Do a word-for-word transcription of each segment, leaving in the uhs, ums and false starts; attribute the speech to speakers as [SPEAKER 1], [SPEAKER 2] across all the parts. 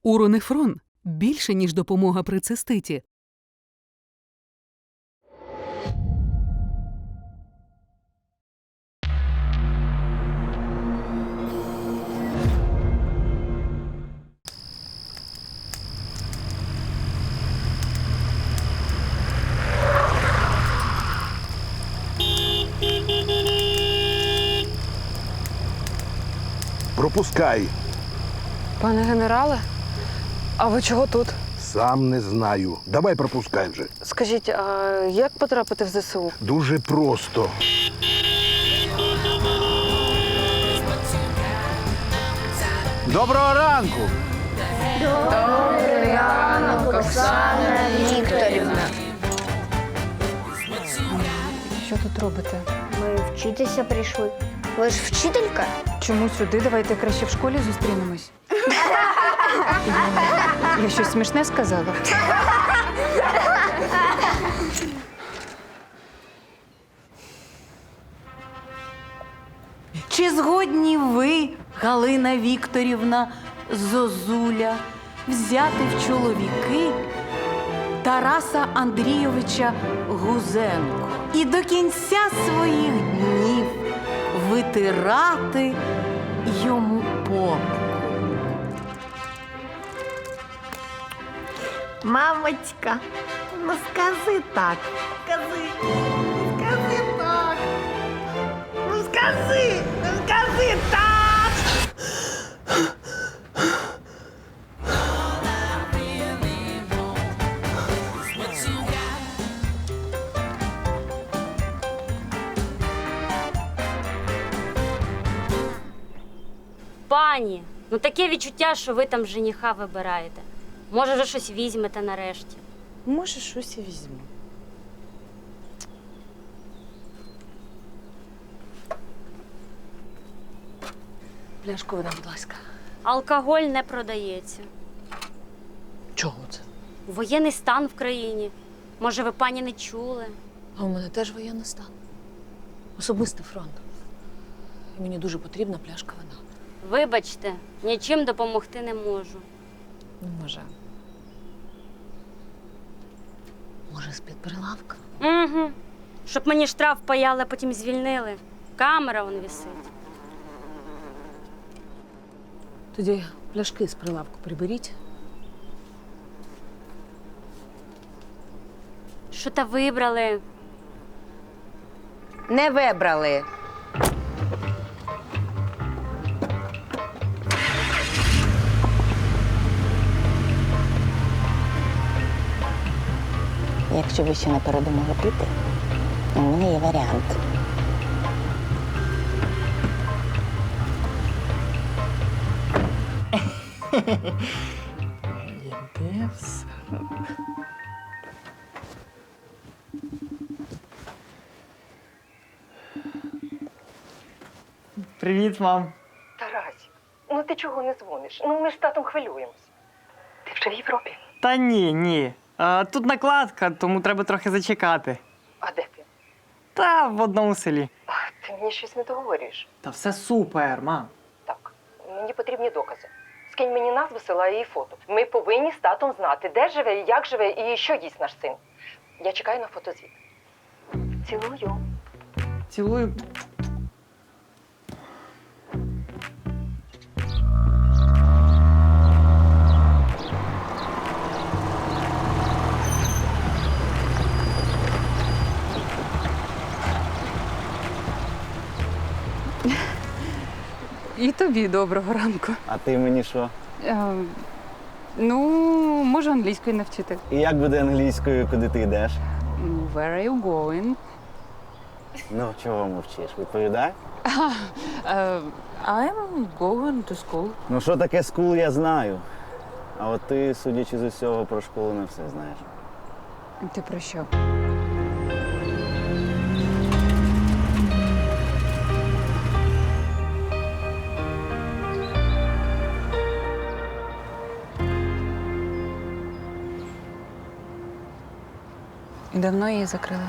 [SPEAKER 1] Уронефрон – більше, ніж допомога при циститі.
[SPEAKER 2] Пропускай.
[SPEAKER 3] Пане генерале, а ви чого тут?
[SPEAKER 2] Сам не знаю. Давай пропускай вже.
[SPEAKER 3] Скажіть, а як потрапити в ЗСУ?
[SPEAKER 2] Дуже просто.
[SPEAKER 4] Доброго ранку!
[SPEAKER 5] Добрий ранок, Оксана Вікторівна.
[SPEAKER 3] Що тут робите?
[SPEAKER 5] Ми вчитися прийшли. Ви ж вчителька?
[SPEAKER 3] Чому сюди? Давайте краще в школі зустрінемось. Я щось смішне сказала?
[SPEAKER 6] Чи згодні ви, Галина Вікторівна Зозуля, взяти в чоловіки Тараса Андрійовича Гузенко і до кінця своїх днів витирати йому попу?
[SPEAKER 7] Мамочка, ну скажи так. Скажи. Скажи так. Ну скажи. Ну скажи так.
[SPEAKER 8] Пані, ну таке відчуття, що ви там жениха вибираєте. Може, вже щось візьмете нарешті.
[SPEAKER 6] Може, щось і візьму. Пляшку вода, будь ласка.
[SPEAKER 8] Алкоголь не продається.
[SPEAKER 6] Чого це?
[SPEAKER 8] Воєнний стан в країні. Може, ви, пані, не чули?
[SPEAKER 6] А у мене теж воєнний стан. Особистий фронт. І мені дуже потрібна пляшка вина.
[SPEAKER 8] Вибачте, нічим допомогти не можу.
[SPEAKER 6] Ну, може. Може, з-під прилавка?
[SPEAKER 8] Угу. Щоб мені штраф паяли, а потім звільнили. Камера вон висить.
[SPEAKER 6] Тоді пляшки з прилавку приберіть.
[SPEAKER 8] Що та вибрали?
[SPEAKER 7] Не вибрали.
[SPEAKER 9] Якщо ви ще не передумали піти, у мене є варіант.
[SPEAKER 4] Іде все. Привіт, мам.
[SPEAKER 10] Тарасик, ну ти чого не дзвониш? Ну ми ж з татом хвилюємось. Ти вже в Європі?
[SPEAKER 4] Та ні, ні. А, тут накладка, тому треба трохи зачекати.
[SPEAKER 10] А де ти?
[SPEAKER 4] Та в одному селі.
[SPEAKER 10] А, ти мені щось не договорюєш.
[SPEAKER 4] Та все супер, мам.
[SPEAKER 10] Так, мені потрібні докази. Скинь мені назву села і фото. Ми повинні з татом знати, де живе, як живе і що їсть наш син. Я чекаю на фотозвіт. Цілую.
[SPEAKER 4] Цілую.
[SPEAKER 3] І тобі доброго ранку.
[SPEAKER 11] А ти мені що?
[SPEAKER 3] Е, ну, можу англійською навчити.
[SPEAKER 11] І як буде англійською, куди ти йдеш?
[SPEAKER 3] Ну, where are you going?
[SPEAKER 11] Ну, чого мовчиш? Відповідай.
[SPEAKER 3] Uh, I'm going to school.
[SPEAKER 11] Ну, що таке скул, я знаю. А от ти, судячи з усього, про школу не все знаєш.
[SPEAKER 3] Ти про що? І давно її закрили?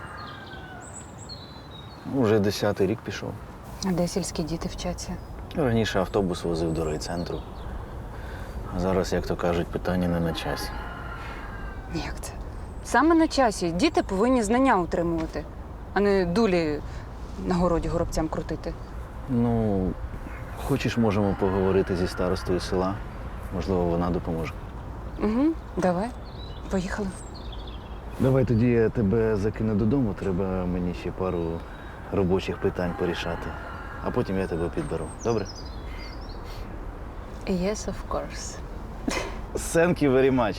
[SPEAKER 11] Уже десятий рік пішов.
[SPEAKER 3] А де сільські діти вчаться?
[SPEAKER 11] Раніше автобус возив до райцентру. Зараз, як то кажуть, питання не на часі.
[SPEAKER 3] Як це? Саме на часі. Діти повинні знання утримувати, а не дулі на городі горобцям крутити.
[SPEAKER 11] Ну, хочеш, можемо поговорити зі старостою села. Можливо, вона допоможе.
[SPEAKER 3] Угу, давай. Поїхали.
[SPEAKER 11] Давай тоді я тебе закину додому, треба мені ще пару робочих питань порішати. А потім я тебе підберу. Добре?
[SPEAKER 3] Yes, of course.
[SPEAKER 11] Thank you very much.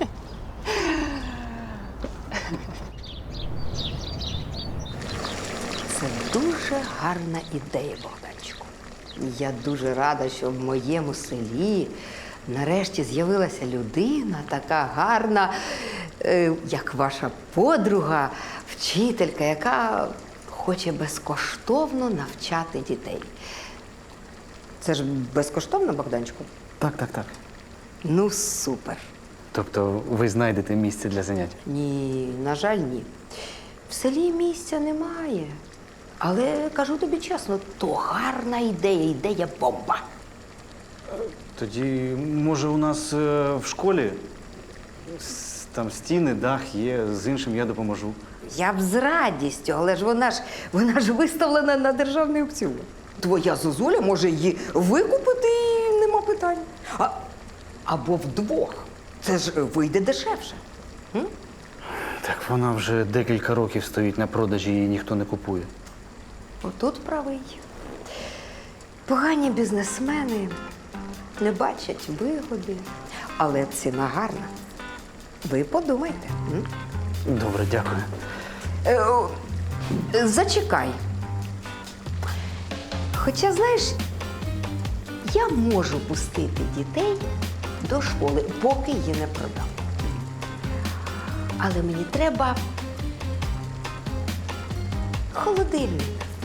[SPEAKER 7] Це дуже гарна ідея, Богданчику. Я дуже рада, що в моєму селі нарешті з'явилася людина така гарна, е, як ваша подруга, вчителька, яка хоче безкоштовно навчати дітей. Це ж безкоштовно, Богданчику?
[SPEAKER 4] Так, так, так.
[SPEAKER 7] Ну, супер.
[SPEAKER 4] Тобто ви знайдете місце для занять?
[SPEAKER 7] Ні, на жаль, ні. В селі місця немає. Але кажу тобі чесно, то гарна ідея, ідея бомба.
[SPEAKER 12] Тоді, може, у нас е, в школі с- там стіни, дах є, з іншим я допоможу.
[SPEAKER 7] Я б з радістю, але ж вона ж вона ж виставлена на державний аукціон. Твоя зозуля може її викупити і нема питань. А, або вдвох. Це ж вийде дешевше.
[SPEAKER 12] Так вона вже декілька років стоїть на продажі, її ніхто не купує.
[SPEAKER 7] Отут правий. Погані бізнесмени не бачать вигоди, але ціна гарна. Ви подумайте. м?
[SPEAKER 12] Добре, дякую.
[SPEAKER 7] Е, о, е, Зачекай. Хоча, знаєш, я можу пустити дітей до школи, поки її не продам. Але мені треба холодильник.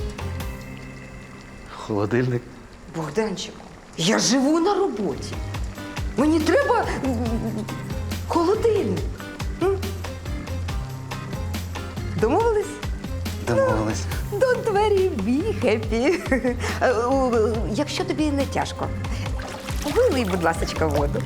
[SPEAKER 12] Холодильник.
[SPEAKER 7] Богданчику, я живу на роботі. Мені треба м, холодильник. М? Домовились?
[SPEAKER 12] Домовились.
[SPEAKER 7] До двері бі хеппі. Якщо тобі не тяжко, вилий, будь ласка, воду.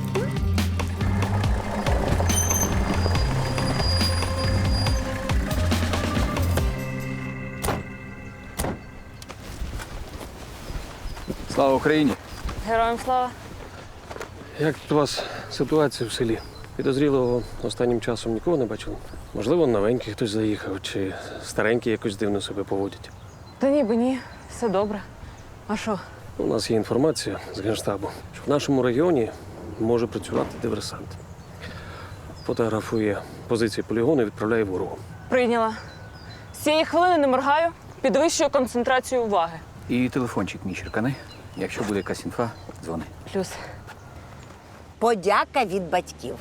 [SPEAKER 13] Слава Україні!
[SPEAKER 3] Героям слава.
[SPEAKER 13] Як тут у вас ситуація в селі? Підозрілого останнім часом нікого не бачили? Можливо, новенький хтось заїхав, чи старенький якось дивно себе поводять.
[SPEAKER 3] Та ніби ні, все добре. А що?
[SPEAKER 13] У нас є інформація з Генштабу, що в нашому регіоні може працювати диверсант. Фотографує позиції полігону і відправляє ворогу.
[SPEAKER 3] Прийняла. З цієї хвилини не моргаю, підвищую концентрацію уваги.
[SPEAKER 14] І телефончик мій черкани. Якщо буде якась інфа, дзвони.
[SPEAKER 3] Плюс.
[SPEAKER 9] Подяка від батьків.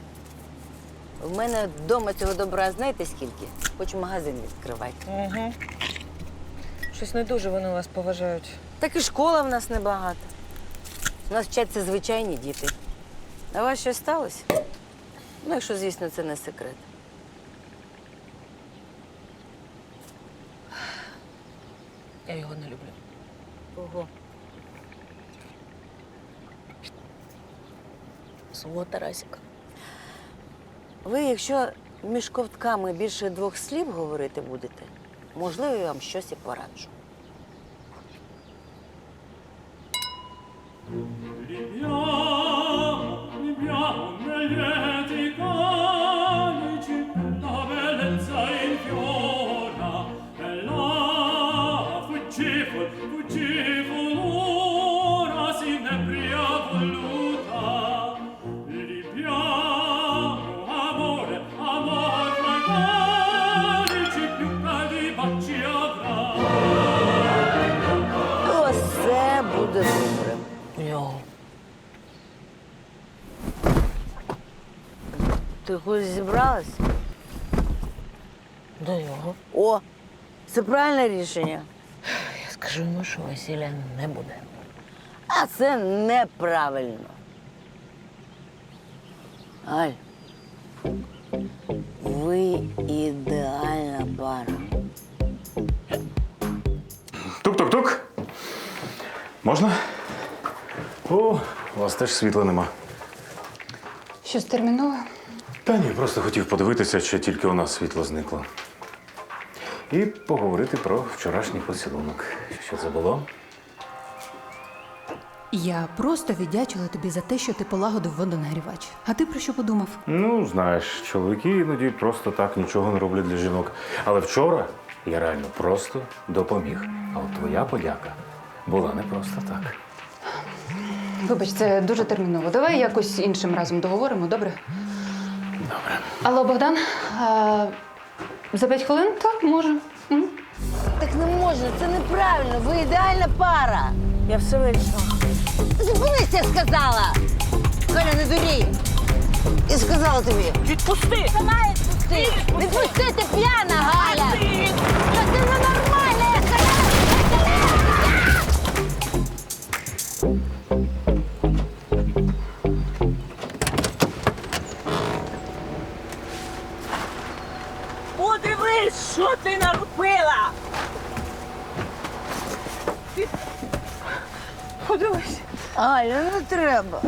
[SPEAKER 9] В мене вдома цього добра знаєте скільки? Хочу магазин відкривати.
[SPEAKER 6] Угу. Щось не дуже вони вас поважають.
[SPEAKER 9] Так і школа в нас небагато. У нас вчаться звичайні діти. А у вас щось сталося? Ну, якщо, звісно, це не секрет.
[SPEAKER 6] Я його не люблю.
[SPEAKER 9] Ого.
[SPEAKER 6] Свого Тарасіка.
[SPEAKER 9] Ви, якщо між ковтками більше двох слів говорити будете, можливо, я вам щось і пораджу. Усе буде добре.
[SPEAKER 6] Його.
[SPEAKER 9] Ти кудись зібралась?
[SPEAKER 6] До його.
[SPEAKER 9] О, це правильне рішення.
[SPEAKER 6] Я скажу йому, що весілля не буде.
[SPEAKER 9] А це неправильно. Аль, ви ідеальна пара.
[SPEAKER 12] Тук-тук-тук. Можна? О, у вас теж світла нема.
[SPEAKER 3] Щось термінове?
[SPEAKER 15] Та ні, просто хотів подивитися, чи тільки у нас світло зникло. І поговорити про вчорашній поцілунок. Що це було?
[SPEAKER 1] Я просто віддячила тобі за те, що ти полагодив водонагрівач. А ти про що подумав?
[SPEAKER 15] Ну, знаєш, чоловіки іноді просто так нічого не роблять для жінок. Але вчора я реально просто допоміг. А от твоя подяка була не просто так.
[SPEAKER 3] Вибач, це дуже терміново. Давай якось іншим разом договоримо, добре?
[SPEAKER 15] Добре.
[SPEAKER 3] Алло, Богдан, а, за п'ять хвилин? Так, може. Угу.
[SPEAKER 9] Так не можна, це неправильно. Ви ідеальна пара. Я все вирішила. Зупинись, я сказала! Галя, не дурій! Я сказала тобі. Відпусти! Сама відпусти! Відпусти, ти п'яна, Галя! Та ти ненормальна, я сказала!
[SPEAKER 16] Подивись, що ти наробила! Ти... Подивись.
[SPEAKER 9] Галя, не треба.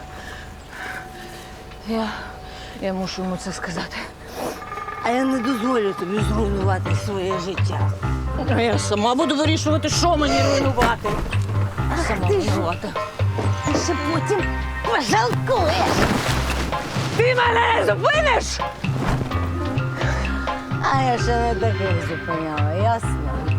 [SPEAKER 9] Я, я мушу йому це сказати. А я не дозволю тобі зруйнувати своє життя.
[SPEAKER 16] А я сама буду вирішувати, що мені руйнувати.
[SPEAKER 9] Сама руйнувати. Ти ще потім пожалкуєш.
[SPEAKER 16] Ти мене зупиниш?
[SPEAKER 9] А я ще не таких зупиняла, ясно?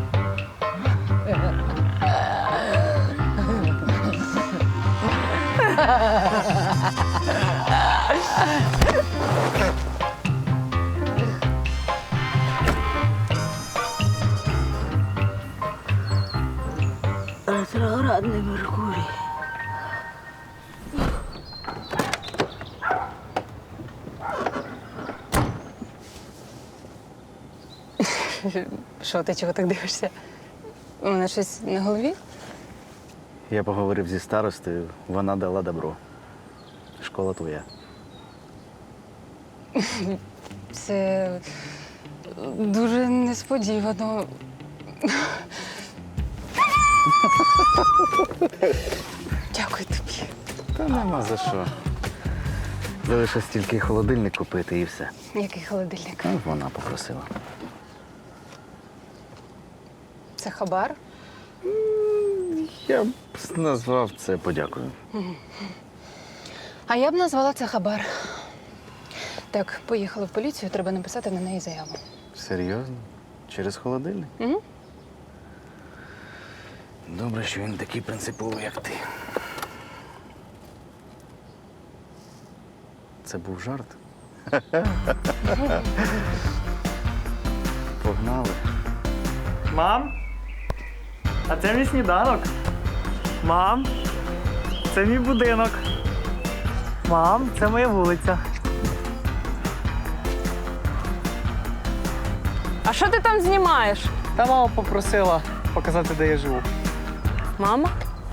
[SPEAKER 9] Ретроградний Меркурій.
[SPEAKER 3] Що, ти чого так дивишся? У мене щось на голові?
[SPEAKER 11] Я поговорив зі старостою, вона дала добро. Школа твоя.
[SPEAKER 3] Це дуже несподівано. Дякую тобі.
[SPEAKER 11] Та нема за що. Залишилось тільки холодильник купити і все.
[SPEAKER 3] Який холодильник?
[SPEAKER 11] Ну, вона попросила.
[SPEAKER 3] Це хабар?
[SPEAKER 11] Я б назвав це подякою.
[SPEAKER 3] А я б назвала це хабар. Так, поїхали в поліцію, треба написати на неї заяву.
[SPEAKER 11] Серйозно? Через холодильник?
[SPEAKER 3] Угу.
[SPEAKER 11] Добре, що він такий принциповий, як ти. Це був жарт? Погнали.
[SPEAKER 4] Мам? А це мій сніданок. Мам? Це мій будинок. Мам, це моя вулиця.
[SPEAKER 6] А що ти там знімаєш?
[SPEAKER 4] Та мама попросила показати, де я живу.
[SPEAKER 6] Мама?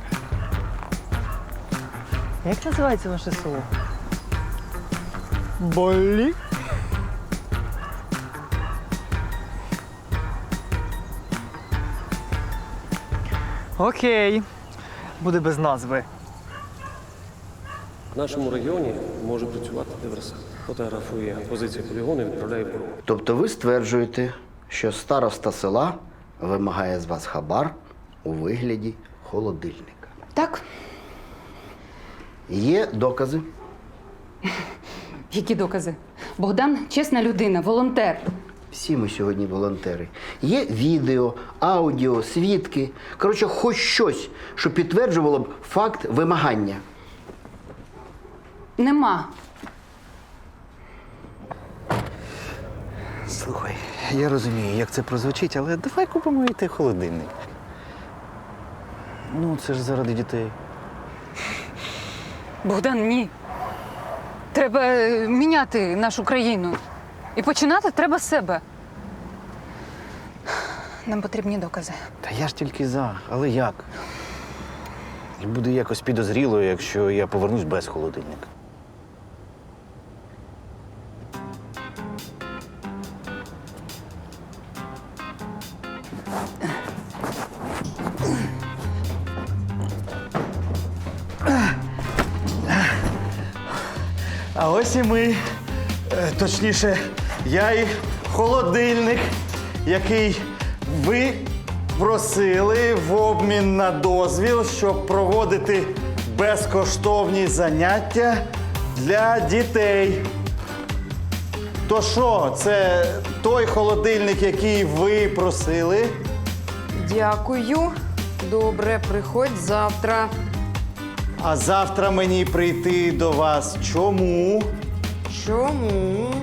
[SPEAKER 4] Як називається ваше село? Болі? Окей. Буде без назви.
[SPEAKER 13] В нашому регіоні може працювати диверсант. Фотографує позицію полігону і відправляє в БРУ.
[SPEAKER 17] Тобто ви стверджуєте, що староста села вимагає з вас хабар у вигляді холодильника?
[SPEAKER 3] Так.
[SPEAKER 17] Є докази?
[SPEAKER 3] Які докази? Богдан чесна людина, волонтер.
[SPEAKER 17] Всі ми сьогодні волонтери. Є відео, аудіо, свідки. Коротше, хоч щось, що підтверджувало б факт вимагання.
[SPEAKER 3] Нема.
[SPEAKER 11] Слухай, я розумію, як це прозвучить, але давай купимо і той холодильник. Ну, це ж заради дітей.
[SPEAKER 3] Богдан, ні. Треба е, міняти нашу країну. І починати треба з себе. Нам потрібні докази.
[SPEAKER 11] Та я ж тільки за, але як? І буде якось підозріло, якщо я повернусь без холодильника.
[SPEAKER 12] А ось і ми. Е, Точніше, я і холодильник, який ви просили в обмін на дозвіл, щоб проводити безкоштовні заняття для дітей. То що, це той холодильник, який ви просили?
[SPEAKER 7] Дякую. Добре, приходь завтра.
[SPEAKER 12] А завтра мені прийти до вас чому?
[SPEAKER 7] Чому?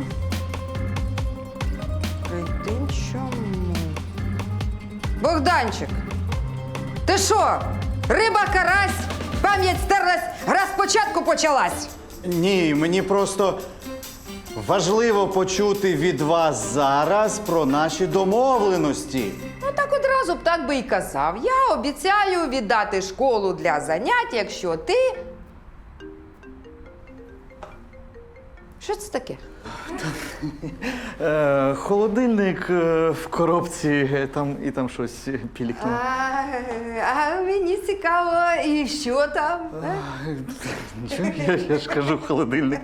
[SPEAKER 7] Прийти чому? Богданчик, ти що? Риба, карась, пам'ять стерлась, гра спочатку почалась.
[SPEAKER 12] Ні, мені просто важливо почути від вас зараз про наші домовленості.
[SPEAKER 7] Ну так одразу б так би і казав. Я обіцяю віддати школу для занять, якщо ти. Що це таке?
[SPEAKER 12] Е, холодильник е, в коробці, е, там і там щось е, пілікне.
[SPEAKER 7] А, а мені цікаво, і що там? е?
[SPEAKER 12] Нічого, я, я ж кажу холодильник.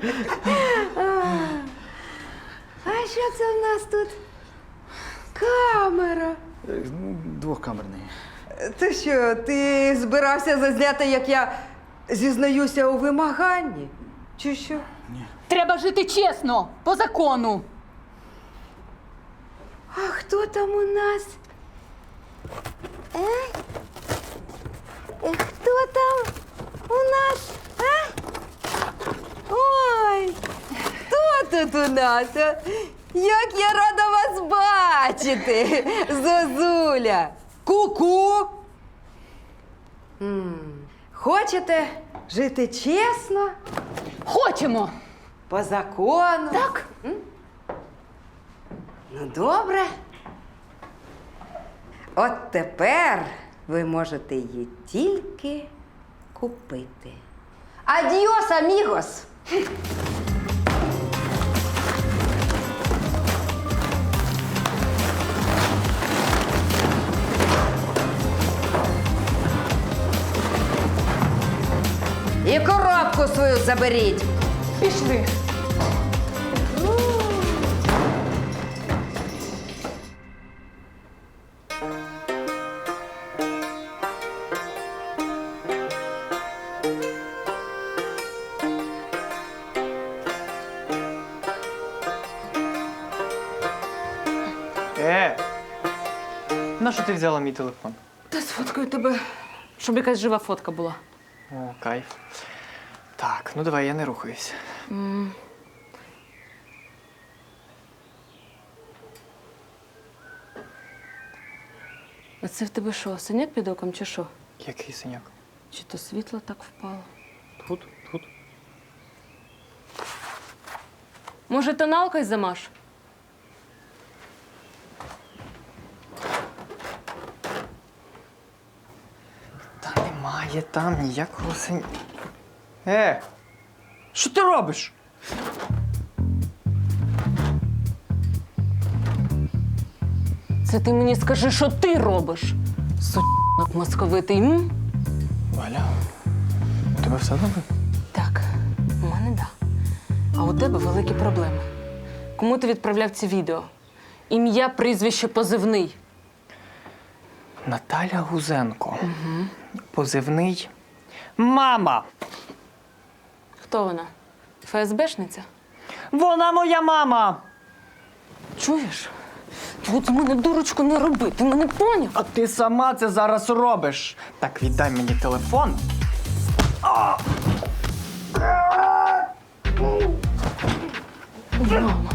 [SPEAKER 7] А що це в нас тут? Камера.
[SPEAKER 12] Е, ну, Двохкамерний.
[SPEAKER 7] Ти що, ти збирався зазняти, як я зізнаюся у вимаганні? Чи що?
[SPEAKER 3] Треба жити чесно, по закону.
[SPEAKER 7] А хто там у нас? Е? Е, Хто там у нас? А? Ой, хто тут у нас? а? Як я рада вас бачити, Зозуля! Ку-ку! М, Хочете жити чесно?
[SPEAKER 3] Хочемо.
[SPEAKER 7] По закону?
[SPEAKER 3] Так.
[SPEAKER 7] М? Ну, добре. От тепер ви можете її тільки купити. Адіос, амігос! І коробку свою заберіть.
[SPEAKER 3] Пішли.
[SPEAKER 4] Е! На що ти взяла мій телефон?
[SPEAKER 6] Та сфоткаю тебе, щоб якась жива фотка була.
[SPEAKER 4] О, кайф. Так, ну давай, я не рухаюсь.
[SPEAKER 6] М. А це в тебе що, синяк під оком чи що?
[SPEAKER 4] Який синяк?
[SPEAKER 6] Чи то світло так впало?
[SPEAKER 4] Тут, тут.
[SPEAKER 6] Може, тоналкою замаш?
[SPEAKER 4] Та немає там ніякого синяка. Е! Що ти робиш?
[SPEAKER 6] Це ти мені скажи, що ти робиш? Сучок московитий, м?
[SPEAKER 4] Валя, у тебе все добре?
[SPEAKER 6] Так, у мене да. А у тебе великі проблеми. Кому ти відправляв ці відео? Ім'я, прізвище, позивний.
[SPEAKER 4] Наталя Гузенко. Угу. Позивний мама.
[SPEAKER 6] Хто вона? ФСБшниця?
[SPEAKER 4] Вона моя мама.
[SPEAKER 6] Чуєш? От з мене дурочку не роби, ти мене поняв?
[SPEAKER 4] А ти сама це зараз робиш. Так, віддай мені телефон. А!
[SPEAKER 6] Мама.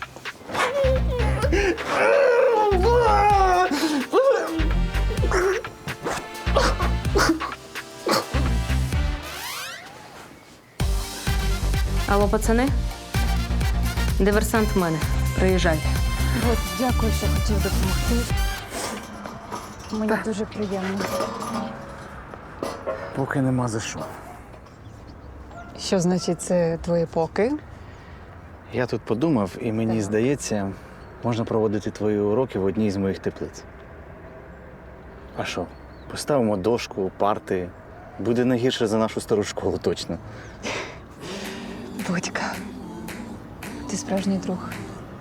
[SPEAKER 6] Алло, пацани? Диверсант в мене. Приїжджайте.
[SPEAKER 3] От, дякую, що хотів допомогти. Мені дуже приємно.
[SPEAKER 12] Поки нема за що.
[SPEAKER 3] Що значить це твої поки?
[SPEAKER 11] Я тут подумав, і мені здається, можна проводити твої уроки в одній з моїх теплиць. А що? Поставимо дошку, парти. Буде не гірше за нашу стару школу, точно.
[SPEAKER 3] Володька, ти справжній друг.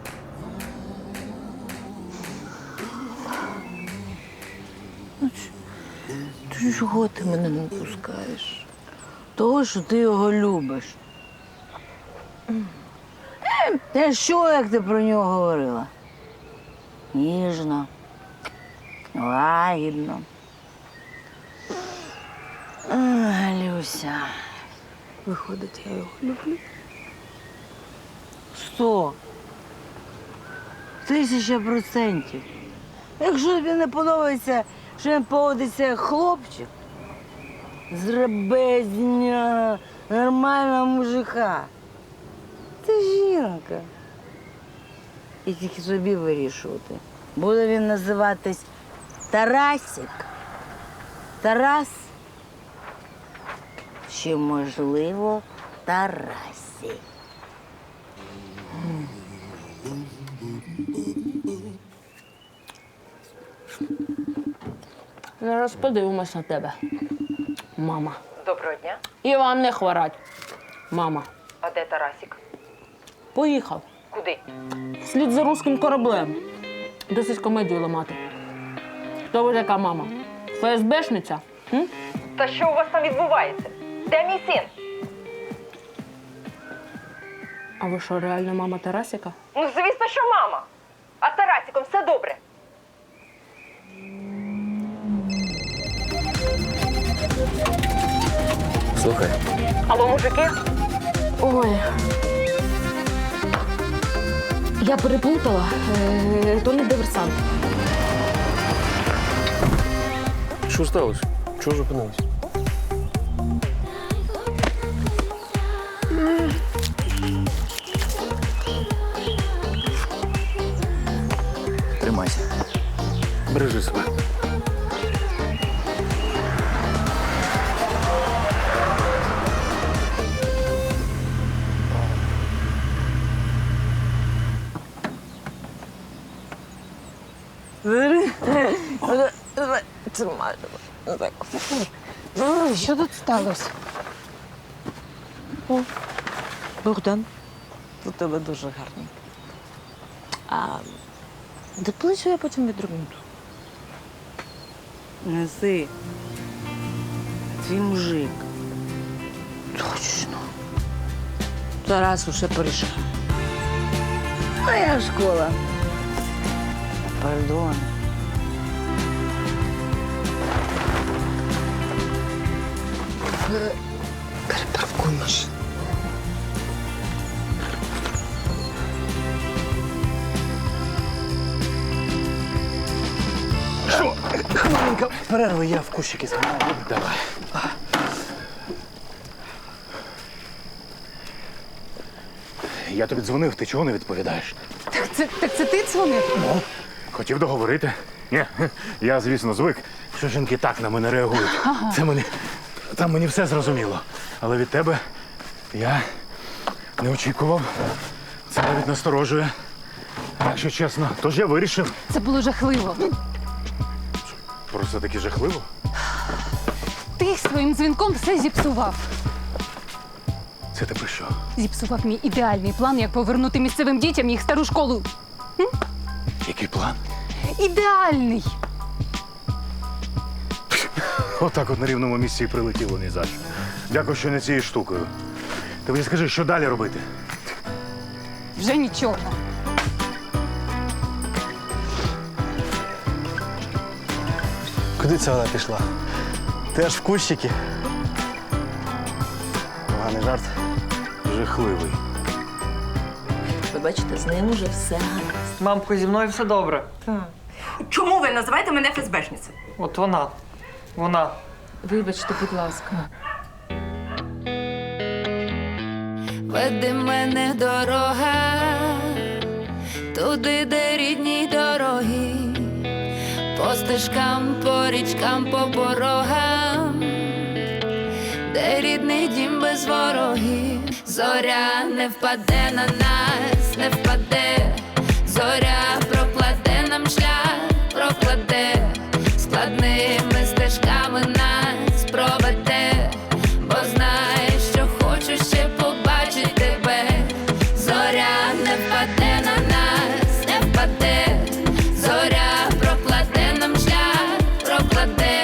[SPEAKER 9] Ну, ти чого ти мене не пускаєш? Того, що ти його любиш. Та що, як ти про нього говорила? Ніжно, лагідно. Ах, Люся, виходить, я його люблю. Сто. Тисяча процентів. Якщо тобі не подобається, що він поводиться як хлопчик, зроби з нього нормального мужика. Ти жінка. І тільки собі вирішувати. Буде він називатись Тарасик. Тарас. Чи, можливо, Тарасі.
[SPEAKER 6] Зараз подивимось на тебе, мама.
[SPEAKER 10] Доброго дня.
[SPEAKER 6] І вам не хворать, мама.
[SPEAKER 10] А де Тарасік?
[SPEAKER 6] Поїхав.
[SPEAKER 10] Куди?
[SPEAKER 6] Слід за руським кораблем. Досить комедію ламати. Хто ви така мама? ФСБшниця? М?
[SPEAKER 10] Та що у вас там відбувається? Де мій син?
[SPEAKER 6] А ви що, реально мама Тарасіка?
[SPEAKER 10] Ну, звісно, що мама. А з Тарасіком все добре.
[SPEAKER 13] Слухай.
[SPEAKER 10] Алло, мужики?
[SPEAKER 6] Ой. Я переплутала. Е, То не диверсант.
[SPEAKER 13] Що сталося? Чого зупинились?
[SPEAKER 14] Тримайся.
[SPEAKER 13] Бережи себе.
[SPEAKER 1] Що тут сталося?
[SPEAKER 9] О, Богдан, у тебе дуже гарний. А доплачу я потім відрубнуту. Неси. Твій мужик. Точно. Тарас усе порішав. Моя школа. Пардон.
[SPEAKER 7] Перепаркуй машину.
[SPEAKER 11] Що? Хвилинка перерви, я в кущики згадаю. Давай. Я тобі дзвонив, ти чого не відповідаєш?
[SPEAKER 1] Так це, так це ти дзвонив?
[SPEAKER 15] Ну, хотів договорити. Ні, я, звісно, звик, що жінки так на мене реагують.
[SPEAKER 1] Ага.
[SPEAKER 15] Це мені, там мені все зрозуміло. Але від тебе я не очікував. Це навіть насторожує. Якщо чесно, тож я вирішив.
[SPEAKER 1] Це було жахливо.
[SPEAKER 15] Просто таки жахливо.
[SPEAKER 1] Ти своїм дзвінком все зіпсував.
[SPEAKER 15] Це ти про що?
[SPEAKER 1] Зіпсував мій ідеальний план, як повернути місцевим дітям їх стару школу. М?
[SPEAKER 15] Який план?
[SPEAKER 1] Ідеальний!
[SPEAKER 15] Отак от на рівному місці і прилетіло ні за що. Дякую, що не цією штукою. Ти мені скажи, що далі робити?
[SPEAKER 1] Вже нічого.
[SPEAKER 11] Куди це вона пішла? Ти аж в кущики. Поганий жарт.
[SPEAKER 15] Жахливий.
[SPEAKER 6] Ви бачите, з ним уже все гаразд.
[SPEAKER 4] Мамко, зі мною все добре.
[SPEAKER 10] Чому ви називаєте мене ФСБшницею?
[SPEAKER 4] От вона. Вона.
[SPEAKER 6] Вибачте, будь ласка.
[SPEAKER 18] Веди мене дорога, туди, де рідні дороги, по стежкам, по річкам, по порогам, де рідний дім без ворогів. Зоря не впаде на нас, не впаде, зоря прокладе нам шлях, прокладе, складними стежками нас проведе, бо знає, що хочу ще побачити тебе. день.